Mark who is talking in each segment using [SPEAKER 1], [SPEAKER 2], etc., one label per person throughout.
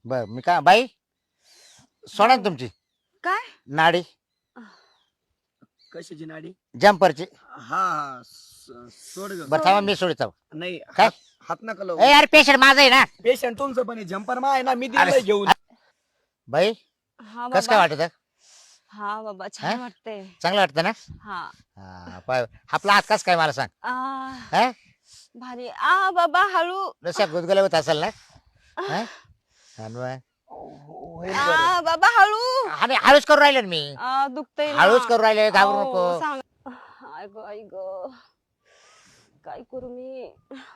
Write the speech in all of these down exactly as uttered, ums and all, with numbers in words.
[SPEAKER 1] बर मी का बाई सोडा ना तुमची
[SPEAKER 2] काय
[SPEAKER 1] नाडी
[SPEAKER 3] कशाची नाडी?
[SPEAKER 1] जम्परची.
[SPEAKER 3] हा हा स- सोड ग.
[SPEAKER 1] बरं थांबा मी सोडतो.
[SPEAKER 3] नाही
[SPEAKER 1] काय?
[SPEAKER 3] हात हात नका लावू.
[SPEAKER 1] ए यार पेशंट माझा आहे ना.
[SPEAKER 3] पेशंट तुमचं पण जम्पर मा आहे ना, मी
[SPEAKER 1] अरे,
[SPEAKER 3] दिलंय घेऊन.
[SPEAKER 1] बाई
[SPEAKER 2] हा
[SPEAKER 1] कस काय
[SPEAKER 2] बाबा
[SPEAKER 1] वाटत
[SPEAKER 2] हा बाबा छान
[SPEAKER 1] हा?
[SPEAKER 2] वाटतंय.
[SPEAKER 1] चांगलं वाटतं ना.
[SPEAKER 2] हा
[SPEAKER 1] हा पाय आपला हात कस काय मला सांग.
[SPEAKER 2] आ,
[SPEAKER 1] हा
[SPEAKER 2] भारी आ बाबा हळू
[SPEAKER 1] जसं गुदगुल्या होत असेल ना. हा? आणि मग?
[SPEAKER 3] होईल बरं.
[SPEAKER 2] आ बाबा हळू
[SPEAKER 1] आणि हळूच करू राहिले ना मी.
[SPEAKER 2] आ दुखतंय ना.
[SPEAKER 1] हळूच करू राहिले घाबरू
[SPEAKER 2] अहो,
[SPEAKER 1] नको.
[SPEAKER 2] सांग आय ग आई ग काय करू मी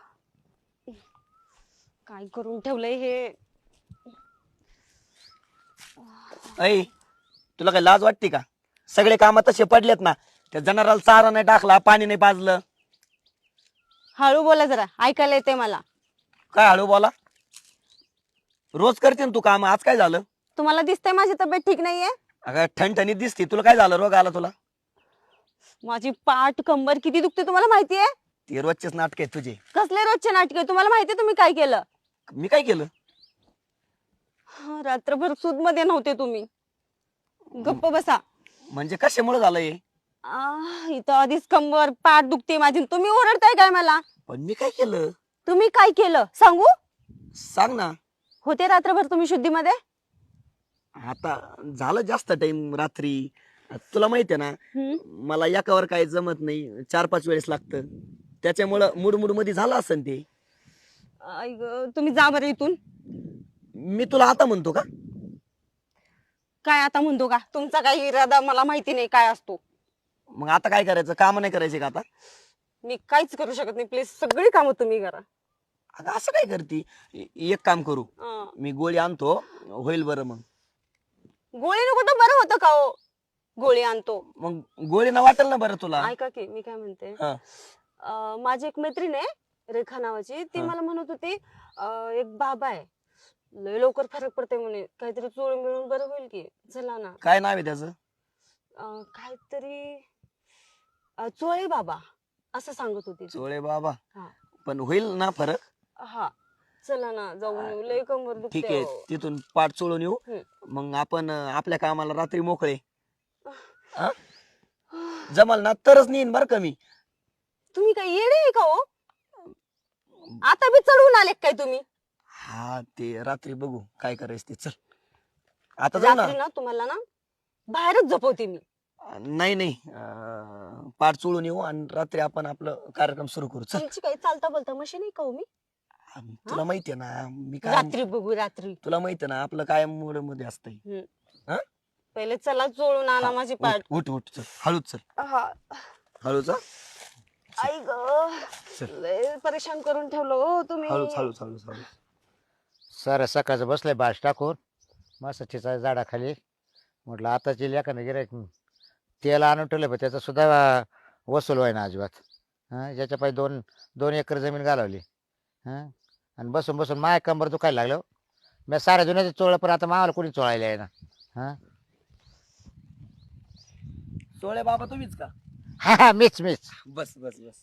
[SPEAKER 2] काय करून ठेवलंय हे.
[SPEAKER 3] ऐ तुला काय लाज वाटते का? सगळे काम तसे पडलेत ना. त्या जनावराला चारा नाही टाकला, पाणी नाही पाजलं.
[SPEAKER 2] हळू बोला जरा ऐकायला येते मला.
[SPEAKER 3] काय हळू बोला? रोज करते ना तू काम, आज काय झालं?
[SPEAKER 2] तुम्हाला दिसतंय माझी तब्येत ठीक नाहीये.
[SPEAKER 3] अगं ठणठणीत दिसते, तुला काय झालं? रोग आला तुला?
[SPEAKER 2] माझी पाठ कंबर किती दुखते तुम्हाला माहितीये.
[SPEAKER 3] ते रोजचेच नाटक आहेत तुझे.
[SPEAKER 2] कसले रोजचे नाटके तुम्हाला माहितीये तुम्ही काय केलं.
[SPEAKER 3] मी काय केलं?
[SPEAKER 2] हा, रात्रभर सूद मध्ये नव्हते तुम्ही. गप्प बसा.
[SPEAKER 3] म्हणजे कशामुळे झालं हे?
[SPEAKER 2] आ, इथं आधीच कंबर पाठ दुखते माझी, तुम्ही ओरडताय काय मला.
[SPEAKER 3] पण मी काय केलं?
[SPEAKER 2] तुम्ही काय केलं सांगू.
[SPEAKER 3] सांग ना.
[SPEAKER 2] होते रात्रभर तुम्ही शुद्धीमध्ये.
[SPEAKER 3] आता झालं जास्त टाइम रात्री. तुला माहितीये ना
[SPEAKER 2] हम्म.
[SPEAKER 3] मला एकावर काही जमत नाही, चार पाच वेळेस लागतं. त्याच्यामुळं मूड मूड मध्ये झालं असन ते.
[SPEAKER 2] आई ग, तुम्ही जा बरं इथून.
[SPEAKER 3] मी तुला आता म्हणतो का?
[SPEAKER 2] काय आता म्हणतो का तुमचा काही इरादा मला माहिती नाही काय असतो.
[SPEAKER 3] मग आता काय करायचं? काम नाही करायचे का आता?
[SPEAKER 2] मी काहीच करू शकत नाही. प्लीज सगळी कामं तुम्ही करा.
[SPEAKER 3] अगं असं काय करती? ए- एक काम करू,
[SPEAKER 2] अं,
[SPEAKER 3] मी गोळी आणतो, होईल बरं. मग
[SPEAKER 2] गोळीने कुठं बरं होतं का हो. गोळी आणतो.
[SPEAKER 3] मग गोळी ना वाटेल ना बरं तुला.
[SPEAKER 2] ऐका की मी काय म्हणते.
[SPEAKER 3] हा.
[SPEAKER 2] अं, माझी एक मैत्रीण आहे रेखा नावाची. ती
[SPEAKER 3] हा.
[SPEAKER 2] मला म्हणत होती अं, एक बाबा आहे लय लवकर फरक पडते म्हणे. काहीतरी चोळून मिळून बरं होईल की. चला ना.
[SPEAKER 3] काय नाव आहे त्याचं?
[SPEAKER 2] अं, काहीतरी अं, चोळे बाबा असं सांगत होती ती.
[SPEAKER 3] चोळे बाबा.
[SPEAKER 2] हा.
[SPEAKER 3] पण होईल ना फरक?
[SPEAKER 2] हा चला ना जाऊन येऊ. लय कंबर दुखते
[SPEAKER 3] ठीक आहे,
[SPEAKER 2] अहो.
[SPEAKER 3] तिथून पाठ चोळून येऊ.
[SPEAKER 2] हम्म.
[SPEAKER 3] मग आपण अं, आपल्या कामाला रात्री मोकळे. हा? जमल ना तरच नेईन बरं का मी.
[SPEAKER 2] तुम्ही काय येडे आहे का हो. आता बी चढवून आले काय तुम्ही.
[SPEAKER 3] हा ते रात्री बघू काय करायचं ते. चल आता जाऊ ना.
[SPEAKER 2] रात्री ना तुम्हाला ना बाहेरच झोपवते मी.
[SPEAKER 3] नाही नाही अं, पाठ चोळून येऊ आणि रात्री आपण आपलं कार्यक्रम सुरू करू. चल.
[SPEAKER 2] तुमची काही चालता बोलता मशीन आहे का हो मी.
[SPEAKER 3] तुला माहितीये ना मी काय,
[SPEAKER 2] रात्री बघू रात्री.
[SPEAKER 3] तुला माहितीये ना आपलं काय मूड मध्ये असतंय.
[SPEAKER 2] हम्म.
[SPEAKER 3] हा?
[SPEAKER 2] पहिले चला चोळून आणा
[SPEAKER 3] हा,
[SPEAKER 2] माझी
[SPEAKER 3] उठ
[SPEAKER 2] पाठ.
[SPEAKER 3] उठ उठ, चल हळूच चल.
[SPEAKER 2] हा
[SPEAKER 3] हळूच हा?
[SPEAKER 2] आई ग
[SPEAKER 3] चल.
[SPEAKER 2] लय परेशान करून ठेवलं हो तुम्ही.
[SPEAKER 3] हळूच हळूच हळूच हळूच.
[SPEAKER 1] सर सकाळचं बसलंय बाश टाकून मस्त चिचा झाडाखाली. म्हटलं आताची लेखाने गिरायक तेल आणून ठेवलं पण त्याचा सुद्धा वसूल व्हाय ना अजिबात. हां ज्याच्या पायी दोन दोन एकर जमीन घालवली. हां आणि बसून बसून माय कंबर दुखायला लागलं. मी साऱ्या जुन्याचं चोळलं पण आता मावाला कोणी चोळायला आहे ना. हां
[SPEAKER 3] चोळे बाबा तुम्हीच का?
[SPEAKER 1] हा हा मीच मीच.
[SPEAKER 3] बस बस बस.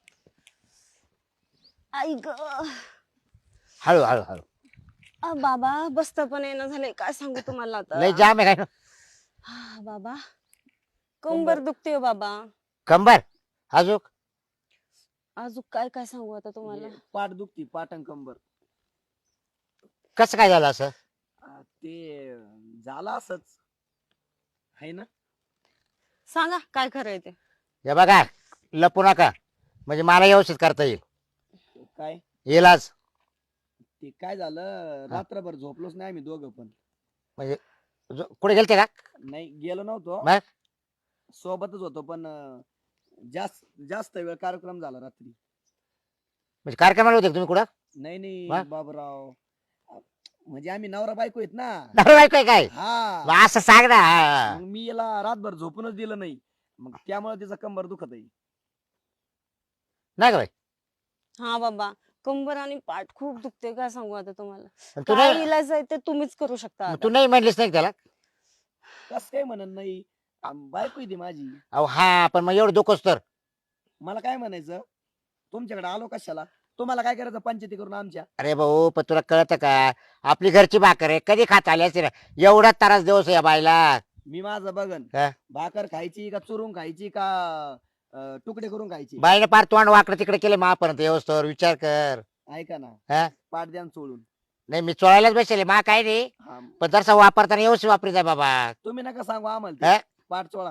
[SPEAKER 2] आई ग
[SPEAKER 1] हळू हळू हळू.
[SPEAKER 2] आ, बाबा बसता पण येणं झालंय काय सांगू तुम्हाला आता.
[SPEAKER 1] लय जाम आहे काय
[SPEAKER 2] हा, बाबा कंबर दुखते हो बाबा.
[SPEAKER 1] कंबर अजून
[SPEAKER 2] अजून काय काय सांगू आता तुम्हाला.
[SPEAKER 3] पाठ दुखती, पाठ आणि कंबर.
[SPEAKER 1] कसं काय झालं असं.
[SPEAKER 3] आ, ते झालं असच आहे ना.
[SPEAKER 2] सांगा काय खरंय ते.
[SPEAKER 1] हे बघा लपू नका म्हणजे मला व्यवस्थित करता येईल.
[SPEAKER 3] काय
[SPEAKER 1] येईल आज
[SPEAKER 3] ते काय झालं, रात्रभर झोपलोच नाही आम्ही दोघं पण.
[SPEAKER 1] म्हणजे जो- कुठे गेलते का.
[SPEAKER 3] नाही गेलो नव्हतो,
[SPEAKER 1] मग
[SPEAKER 3] सोबतच होतो पण अं, जास्त जास्त वेळ कार्यक्रम झाला रात्री.
[SPEAKER 1] म्हणजे कार्यक्रमाला होते का तुम्ही कुठं.
[SPEAKER 3] नाही नाही
[SPEAKER 1] मग?
[SPEAKER 3] बाबराव, म्हणजे आम्ही नवरा बायको आहेत ना.
[SPEAKER 1] नवरा बायको आहे काय.
[SPEAKER 3] हा
[SPEAKER 1] मग असं सांग ना. हा.
[SPEAKER 3] मग मी याला रातभर झोपूनच दिलं नाही, मग त्यामुळे तिचा कंबर दुखत आहे.
[SPEAKER 1] नाही का बाई.
[SPEAKER 2] हा बाबा कंबर आणि पाठ खूप दुखते काय सांगू आता तुम्हाला.
[SPEAKER 1] पण तू
[SPEAKER 2] काय
[SPEAKER 1] नाही
[SPEAKER 2] इलाज आहे ते तुम्हीच करू शकता
[SPEAKER 1] मग
[SPEAKER 2] आता.
[SPEAKER 1] तू नाही म्हणलीस नाही का त्याला.
[SPEAKER 3] कस काय म्हणत नाही, आम- बायको आहे ती माझी.
[SPEAKER 1] अहो हा पण मग एवढं दुखोस तर.
[SPEAKER 3] मला काय म्हणायचं, तुमच्याकडे आलो कशाला, तुम्हाला काय करायचं पंचायती करून आमच्या?
[SPEAKER 1] अरे भाऊ पण तुला कळतं का आपली घरची भाकर आहे कधी खात आली असते ना एवढा त्रास दिवस या बायला
[SPEAKER 3] मी माझं बघन
[SPEAKER 1] काय?
[SPEAKER 3] भाकर खायची का चुरून खायची का अं, तुकडे करून खायची?
[SPEAKER 1] बाईने पार तोंड वाकडं तिकडे केले महापर्यंत व्यवस्थेवर विचार कर.
[SPEAKER 3] ऐका ना,
[SPEAKER 1] हा
[SPEAKER 3] पाठ द्या न सोडून.
[SPEAKER 1] नाही मी चोळायलाच बसले मा काय नाही
[SPEAKER 3] हा,
[SPEAKER 1] पण जरसा वापरताना व्यवस्थित वापरी जाय बाबा.
[SPEAKER 3] तुम्ही नका सांगू आम्हाला
[SPEAKER 1] हा?
[SPEAKER 3] ते. पाठ चोळा.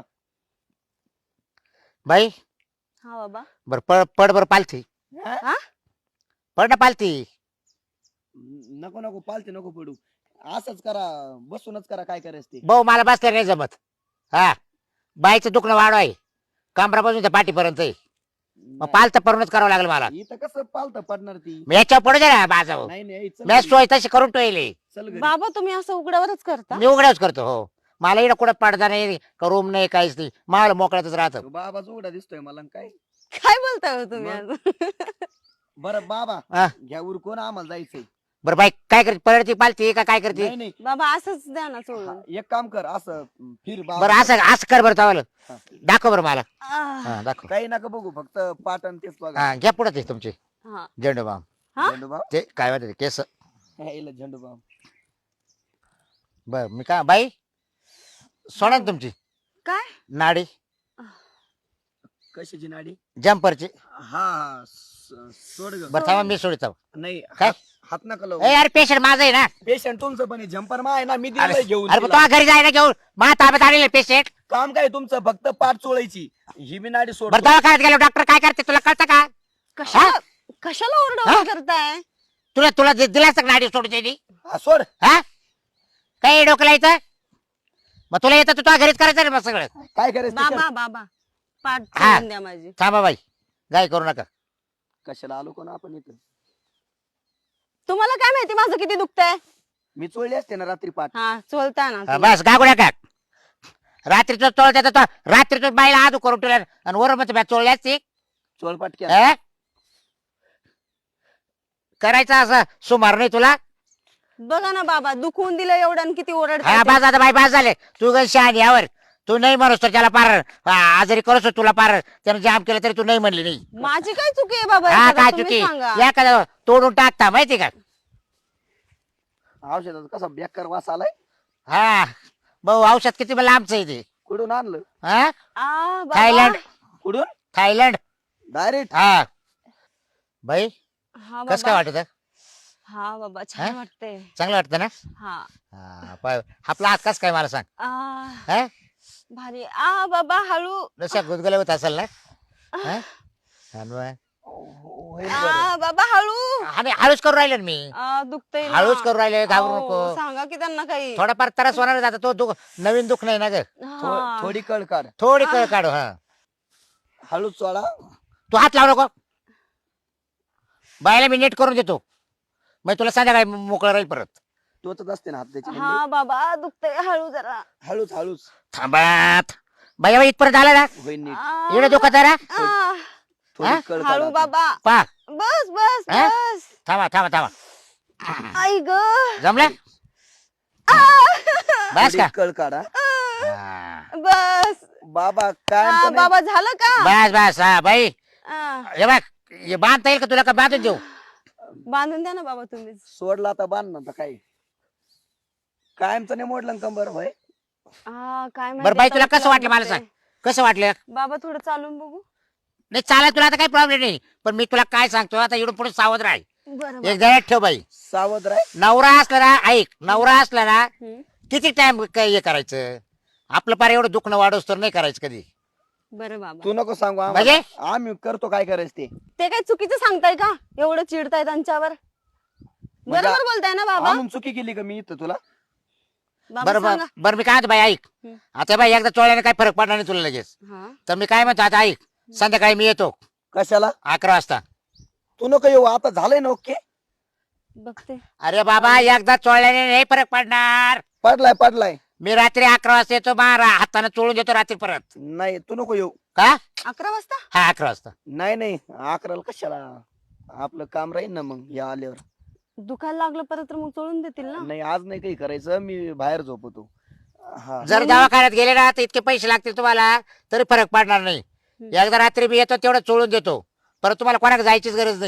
[SPEAKER 1] बाई
[SPEAKER 2] हा बाबा.
[SPEAKER 1] बर पड पड बर पालथी
[SPEAKER 3] हा?
[SPEAKER 2] हा
[SPEAKER 1] पड ना पालथी.
[SPEAKER 3] नको नको पालते नको पडू. असंच करा, बसूनच करा काय करायचं ते.
[SPEAKER 1] भाऊ मला बसल्या नाही जमत. हा बाईचं दुखणं वाढवाय कमरापासून त्या पाठीपर्यंत आहे. मग पालत परूनच करावं लागलं मला.
[SPEAKER 3] इथं कसं पालत पडणार ती?
[SPEAKER 1] मी याच्यावर पडू दे ना माझा भाऊ.
[SPEAKER 3] नाही नाही चल
[SPEAKER 1] मी
[SPEAKER 3] घरी,
[SPEAKER 1] सोय तशी करून ठेवली.
[SPEAKER 3] चल घरी.
[SPEAKER 2] बाबा तुम्ही असं उघड्यावरच करता?
[SPEAKER 1] मी उघड्याच करतो हो. मला इकडे कुठं पडदा नाही का रूम नाही काहीच नाही मला मोकळ्यातच राहतं.
[SPEAKER 3] तो बाबाच उघडा दिसतोय मला न काय.
[SPEAKER 2] काय बोलताय हो तुम्ही
[SPEAKER 3] मग?
[SPEAKER 2] आज?
[SPEAKER 3] बरं बाबा
[SPEAKER 1] हा.
[SPEAKER 3] घ्या उरकून आम्हाला जायचंय.
[SPEAKER 1] बरं बाई काय करते पडती पालती का काय करते.
[SPEAKER 3] नाही नाही
[SPEAKER 2] बाबा असंच द्या ना सोडून.
[SPEAKER 3] हा, एक काम कर असं फिर बाबा.
[SPEAKER 1] बरं असं असं कर बरं चावलं
[SPEAKER 3] हा.
[SPEAKER 1] दाखव बरं मला.
[SPEAKER 2] आह,
[SPEAKER 1] हा दाखव.
[SPEAKER 3] काही नका बघू फक्त पाटण तेच बघा.
[SPEAKER 1] हा घ्या पुढे ते तुमचे
[SPEAKER 2] हा.
[SPEAKER 1] झेंडू बाम
[SPEAKER 2] हा?
[SPEAKER 3] झेंडूबाम
[SPEAKER 1] ते काय म्हणते ते केस.
[SPEAKER 3] ह्याला झेंडूबाम.
[SPEAKER 1] बर मी काय बाई सोडा ना तुमची
[SPEAKER 2] काय?
[SPEAKER 1] नाडी
[SPEAKER 3] कशाची नाडी?
[SPEAKER 1] जम्परची.
[SPEAKER 3] हा हा स- सोड ग.
[SPEAKER 1] बरं थांबा मी सोडित
[SPEAKER 3] नाही
[SPEAKER 1] काय?
[SPEAKER 3] हात- हात नका लावू.
[SPEAKER 1] ए अरे पेशंट माझं आहे ना.
[SPEAKER 3] पेशंट तुमचं पण झंपर मा आहे ना, मी
[SPEAKER 1] अरे
[SPEAKER 3] दिलंय घेऊन
[SPEAKER 1] अरे
[SPEAKER 3] तिला.
[SPEAKER 1] तो घरी जायला घेऊन मा ताब्यात आलेले पेशंट.
[SPEAKER 3] काम काय तुमचं फक्त पाठ चोळायची. ही मी नाडी सोड.
[SPEAKER 1] बरं दवाखान्यात गेलो डॉक्टर काय करते तुला कळतं का.
[SPEAKER 2] कशाला कशाला ओरडा करताय?
[SPEAKER 1] तुला तुला दि- दिलास का नाडी सोडून त्यांनी
[SPEAKER 3] हा, सोड.
[SPEAKER 1] हा काही डोकं लायचं मग तुला येतं तू तुझ्या घरीच करायचं रे मग सगळं.
[SPEAKER 3] काय करायचं ते कर.
[SPEAKER 2] बाबा बाबा पाठ
[SPEAKER 1] हा.
[SPEAKER 2] चोळून द्या माझी.
[SPEAKER 1] थांबा बाई गाय करू नका.
[SPEAKER 3] कशाला आलो कोण आपण इथं?
[SPEAKER 2] तुम्हाला काय माहिती माझं किती दुखतंय?
[SPEAKER 3] मी चोळली असते ना रात्री पाठ.
[SPEAKER 2] हा चोलता ना
[SPEAKER 1] हा,
[SPEAKER 2] तुम्ही.
[SPEAKER 1] बस गागू नका. रात्रीचं चोळत्या तो रात्रीचं बाईला आदू करून ठेवल्या आणि वरून मग चोळली असती.
[SPEAKER 3] चोळ पाटक्या.
[SPEAKER 1] हा? करायचं असं सुमार नाही तुला.
[SPEAKER 2] बघा ना बाबा दुखवून दिलं एवढं आणि किती
[SPEAKER 1] हा
[SPEAKER 2] ओरडताय ते.
[SPEAKER 1] बाज आता बाई बाज झाले तू गण शहाणी यावर तू नाही म्हणूस तर त्याला पार हा, आजारी करूस तुला पार त्यानं जाम केलं तरी तू नाही म्हणली नाही.
[SPEAKER 2] माझी काय चुकी आहे बाबा
[SPEAKER 1] हा
[SPEAKER 2] याच्यात?
[SPEAKER 1] काय
[SPEAKER 2] तुम्ही
[SPEAKER 1] चुकी
[SPEAKER 2] सांगा.
[SPEAKER 1] या का तोडून टाकता माहिती का.
[SPEAKER 3] औषधाचा कसा बेकार वास आलाय.
[SPEAKER 1] हा भाऊ औषध किती मला आमचं आहे ते.
[SPEAKER 3] कुठून आणलं?
[SPEAKER 1] हा
[SPEAKER 2] आ, बाबा.
[SPEAKER 1] थायलंड
[SPEAKER 3] कुठून?
[SPEAKER 1] थायलंड.
[SPEAKER 3] डायरेक्ट.
[SPEAKER 1] हा बाई
[SPEAKER 2] हा
[SPEAKER 1] कस काय
[SPEAKER 2] बाबा.
[SPEAKER 1] वाटत
[SPEAKER 2] हा बाबा छान
[SPEAKER 1] हा?
[SPEAKER 2] वाटतंय.
[SPEAKER 1] चांगलं वाटतं ना.
[SPEAKER 2] हा
[SPEAKER 1] हा पाय आपला हात कस काय मला सांग.
[SPEAKER 2] आ,
[SPEAKER 1] हा
[SPEAKER 2] भारी आ बाबा हळू.
[SPEAKER 1] जशा गुदगुल्या होत असेल ना. हा? हा न बाय.
[SPEAKER 3] होईल बरं.
[SPEAKER 2] आ बाबा हळू.
[SPEAKER 1] आणि हळूच करू राहिले ना मी.
[SPEAKER 2] आ, दुखतंय ना.
[SPEAKER 1] हळूच करू राहिले घाबरू
[SPEAKER 2] अहो,
[SPEAKER 1] नको.
[SPEAKER 2] सांगा की त्यांना काही.
[SPEAKER 1] थोडाफार त्रास होणार आता तो दुख नवीन दुख नाही ना ग.
[SPEAKER 3] थो-
[SPEAKER 2] हा.
[SPEAKER 3] थोडी कळ काढ.
[SPEAKER 1] थोडी कळ काढू. हा
[SPEAKER 3] हळूच चोळा.
[SPEAKER 1] तू हात लावू नको. बायला मी नीट करून देतो मग तुला संध्याकाळी मोकळं राहील परत.
[SPEAKER 3] टोचत असते ना हात त्याची.
[SPEAKER 2] हा बाबा दुखतंय हळू जरा.
[SPEAKER 3] हळूच हळूच
[SPEAKER 1] थांबात बाई बाई इथपर्यंत आला ना.
[SPEAKER 3] होईल नीट.
[SPEAKER 2] आ,
[SPEAKER 1] एवढं दुखत आहे ना.
[SPEAKER 2] आ,
[SPEAKER 3] थोडी
[SPEAKER 1] हा?
[SPEAKER 3] कळ
[SPEAKER 2] हळू
[SPEAKER 3] काढ.
[SPEAKER 2] बाबा.
[SPEAKER 1] पा
[SPEAKER 2] बस बस
[SPEAKER 1] हा?
[SPEAKER 2] बस.
[SPEAKER 1] थांबा थांबा थांबा
[SPEAKER 2] आई ग.
[SPEAKER 1] जमलं बस
[SPEAKER 3] थोडी
[SPEAKER 1] का.
[SPEAKER 3] कळ काढा.
[SPEAKER 1] हा.
[SPEAKER 2] बस.
[SPEAKER 3] बाबा काय
[SPEAKER 2] हा,
[SPEAKER 3] म्हणतो नाही?
[SPEAKER 2] बाबा झालं का?
[SPEAKER 1] बस बस हा बाई
[SPEAKER 2] आ,
[SPEAKER 1] हे बघ हे बांधता येईल का तुला का बांधून देऊ.
[SPEAKER 2] बांधून द्या ना बाबा तुम्हीच.
[SPEAKER 3] सोडला आता बांध ना आता काय. कायमचं नाही मोडलं ना कंबर होय.
[SPEAKER 2] हा काय
[SPEAKER 1] बरं
[SPEAKER 2] माहिती
[SPEAKER 1] बाई तुला
[SPEAKER 2] आता
[SPEAKER 1] कसं वाटलं मला
[SPEAKER 2] दुखतंय.
[SPEAKER 1] सांग कसं वाटलं.
[SPEAKER 2] बाबा थोडं चालून बघू.
[SPEAKER 1] नाही चालेल तुला आता काही प्रॉब्लेम नाही पण मी तुला काय सांगतो आता इकडून पुढे सावध राह.
[SPEAKER 2] बरं
[SPEAKER 1] एक जणात ठेव बाई.
[SPEAKER 3] सावध राय.
[SPEAKER 1] नवरा असला ना ऐक नवरा असला ना
[SPEAKER 2] हम्म.
[SPEAKER 1] किती टाइम हे करायचं आपलं पार एवढं दुखणं वाढवस तर नाही करायचं कधी.
[SPEAKER 2] बरं बाबा
[SPEAKER 3] तू नको सांगू आम्हाला.
[SPEAKER 1] म्हणजे?
[SPEAKER 3] आम्ही करतो काय करायचं ते.
[SPEAKER 2] ते काय चुकीचं सांगताय का एवढं चिडताय त्यांच्यावर.
[SPEAKER 3] म्हणजे
[SPEAKER 2] बरोबर बोलताय ना बाबा.
[SPEAKER 3] आणून चुकी केली का मी इथं तुला?
[SPEAKER 2] बाबा
[SPEAKER 1] बरं बरं
[SPEAKER 2] सांगा.
[SPEAKER 1] बरं मी काय म्हणतो बाई ऐक
[SPEAKER 2] हम्म.
[SPEAKER 1] आता बाई एकदा चोळ्याने काही फरक पडणार नाही तुला लगेच.
[SPEAKER 2] हा
[SPEAKER 1] तर मी काय म्हणतो आता ऐक संध्याकाळी मी येतो
[SPEAKER 3] कशाला?
[SPEAKER 1] अकरा वाजता.
[SPEAKER 3] तू नको येऊ आता झालंय ना ओके.
[SPEAKER 2] बघते.
[SPEAKER 1] अरे बाबा एकदा चोळल्याने नाही फरक पडणार.
[SPEAKER 3] पडलाय पडलाय.
[SPEAKER 1] मी रात्री अकरा वाजता येतो बारा हाताने चोळून देतो रात्री परत.
[SPEAKER 3] नाही तू नको येऊ.
[SPEAKER 1] का
[SPEAKER 2] अकरा वाजता.
[SPEAKER 1] हा अकरा वाजता.
[SPEAKER 3] नाही नाही अकराला कशाला. आपलं काम राहील ना मग या आल्यावर.
[SPEAKER 2] दुखायला लागलं परत तर मग चोळून देतील ना.
[SPEAKER 3] नाही आज नाही काही करायचं मी बाहेर झोपतो. हा
[SPEAKER 1] जर दवाखान्यात गेले ना तर इतके पैसे लागतील तुम्हाला तरी फरक पडणार नाही.
[SPEAKER 2] हम्म.
[SPEAKER 1] एकदा रात्री मी येतो तेवढं चोळून देतो परत तुम्हाला कोणाकडे जायचीच गरज नाही.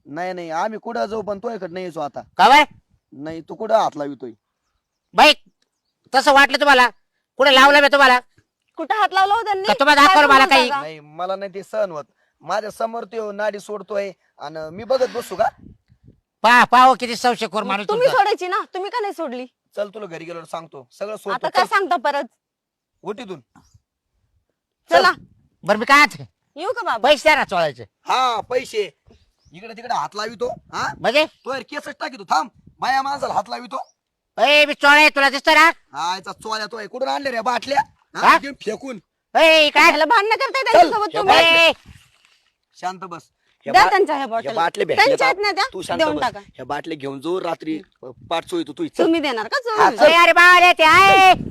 [SPEAKER 3] नाही नाही आम्ही कुठं जाऊ पण तो इकडे नाही यायचो आता.
[SPEAKER 1] का बाय
[SPEAKER 3] नाही तू कुठं हात लावितोय?
[SPEAKER 1] बाई तसं वाटलं तुम्हाला? कुठे लावलं मी तुम्हाला?
[SPEAKER 2] कुठं हात लावला हो त्यांनी?
[SPEAKER 1] का तुम्हाला
[SPEAKER 2] काय
[SPEAKER 1] दाखवलं मला
[SPEAKER 2] बोलता
[SPEAKER 1] काही?
[SPEAKER 2] का?
[SPEAKER 3] नाही मला नाही ते सहन होत. माझ्या समोर तो नाडी सोडतोय आणि मी बघत बसू का?
[SPEAKER 1] पा पाहो किती संशयखोर माणूस
[SPEAKER 2] तुम्ही
[SPEAKER 1] तुमचा.
[SPEAKER 2] सोडायची ना, तुम्ही का नाही सोडली?
[SPEAKER 3] चल तुला घरी गेल्यावर सांगतो सगळं
[SPEAKER 2] आता
[SPEAKER 3] सोडतो.
[SPEAKER 2] काय
[SPEAKER 3] चल,
[SPEAKER 2] सांगता परत?
[SPEAKER 3] उठीतून
[SPEAKER 2] चला
[SPEAKER 1] बरं मी काय ते?
[SPEAKER 2] येऊ का बाबा?
[SPEAKER 1] पैसे द्या ना चोळायचे.
[SPEAKER 3] हा पैसे इकडे तिकडे हात लावितो. हा
[SPEAKER 1] म्हणजे
[SPEAKER 3] तो यार केसच टाकीतो. थांब बाया माणसाला हात लावितो.
[SPEAKER 1] ए मी चोळा तुला दिसतो ना?
[SPEAKER 3] हा याचा चोळ्या तो आहे. कुठून आणले रे बाटल्या? हा,
[SPEAKER 1] हा?
[SPEAKER 3] घेऊन फेकून.
[SPEAKER 1] ए काय
[SPEAKER 2] ह्याला भांडणं करताय त्यांच्यासोबत
[SPEAKER 3] चल,
[SPEAKER 2] तुम्ही?
[SPEAKER 1] ए,
[SPEAKER 3] शांत बस. ह्या
[SPEAKER 2] द्या
[SPEAKER 3] बा-
[SPEAKER 2] त्यांच्या ह्या
[SPEAKER 3] ह्या
[SPEAKER 2] बॉटल.
[SPEAKER 3] बाटल्या भेटल्या
[SPEAKER 2] त्यांच्या
[SPEAKER 3] का?
[SPEAKER 2] आहेत ना त्या?
[SPEAKER 3] तू शांत
[SPEAKER 2] देऊन
[SPEAKER 3] बस.
[SPEAKER 2] टाका.
[SPEAKER 3] ह्या बाटल्या घेऊन जो रात्री पाठ चोळतो तू. चल.
[SPEAKER 2] तुम्ही देणार का
[SPEAKER 3] हा,
[SPEAKER 2] चोरून?
[SPEAKER 3] चल.
[SPEAKER 1] ए, अरे बाबा रे ते आहे